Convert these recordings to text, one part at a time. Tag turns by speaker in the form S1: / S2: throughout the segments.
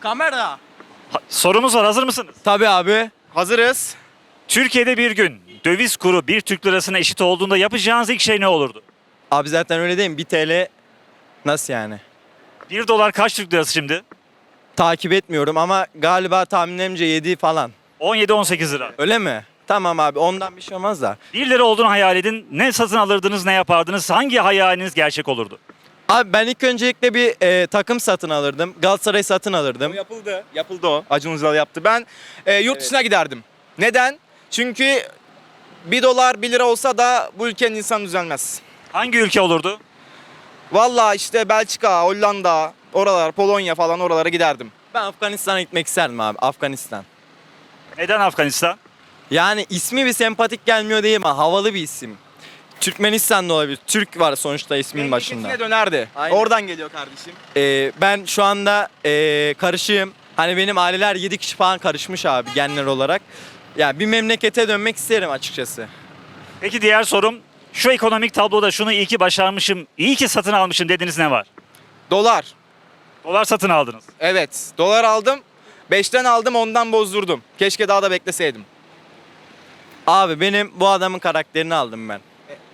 S1: Kamera.
S2: Sorumuz var, hazır mısınız?
S1: Tabii abi.
S3: Hazırız.
S2: Türkiye'de bir gün döviz kuru bir Türk lirasına eşit olduğunda yapacağınız ilk şey ne olurdu?
S1: Abi zaten öyle değil mi? 1 TL nasıl yani?
S2: 1 dolar kaç Türk lirası şimdi?
S1: Takip etmiyorum ama galiba tahminlerimce 7 falan.
S2: 17-18 lira.
S1: Öyle mi? Tamam abi ondan bir şey olmaz da.
S2: 1 lira olduğunu hayal edin. Ne satın alırdınız, ne yapardınız? Hangi hayaliniz gerçek olurdu?
S1: Abi ben ilk öncelikle bir takım satın alırdım. Galatasaray satın alırdım.
S3: O yapıldı. Yapıldı o. Acun Ilıcalı yaptı. Ben yurt dışına giderdim. Neden? Çünkü 1 dolar 1 lira olsa da bu ülkenin insanı düzelmez.
S2: Hangi ülke olurdu?
S3: Vallahi işte Belçika, Hollanda, oralar, Polonya falan oralara giderdim.
S1: Ben Afganistan'a gitmek isterdim abi. Afganistan.
S2: Neden Afganistan?
S1: Yani ismi bir sempatik gelmiyor değil mi? Havalı bir isim. Türkmenistan da olabilir. Türk var sonuçta ismin başında.
S3: Memleketine dönerdi.
S1: Aynen.
S3: Oradan geliyor kardeşim.
S1: Ben şu anda karışığım. Hani benim aileler 7 kişi falan karışmış abi genler olarak. Yani bir memlekete dönmek isterim açıkçası.
S2: Peki diğer sorum, şu ekonomik tabloda şunu iyi ki başarmışım, iyi ki satın almışım dediğiniz ne var?
S3: Dolar.
S2: Dolar satın aldınız.
S3: Evet. Dolar aldım. 5'ten aldım, ondan bozdurdum. Keşke daha da bekleseydim.
S1: Abi benim bu adamın karakterini aldım ben.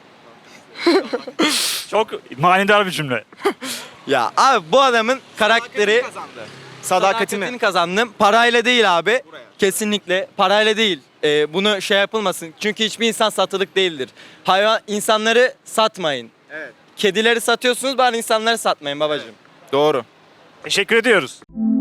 S2: Çok manidar bir cümle.
S1: Ya abi bu adamın karakteri
S3: kazandı.
S1: sadakatini kazandım. Parayla değil abi.
S3: Buraya.
S1: Kesinlikle parayla değil. Bunu şey yapılmasın. Çünkü hiçbir insan satılık değildir. İnsanları satmayın.
S3: Evet.
S1: Kedileri satıyorsunuz bari insanları satmayın babacığım.
S3: Doğru.
S2: Teşekkür ediyoruz.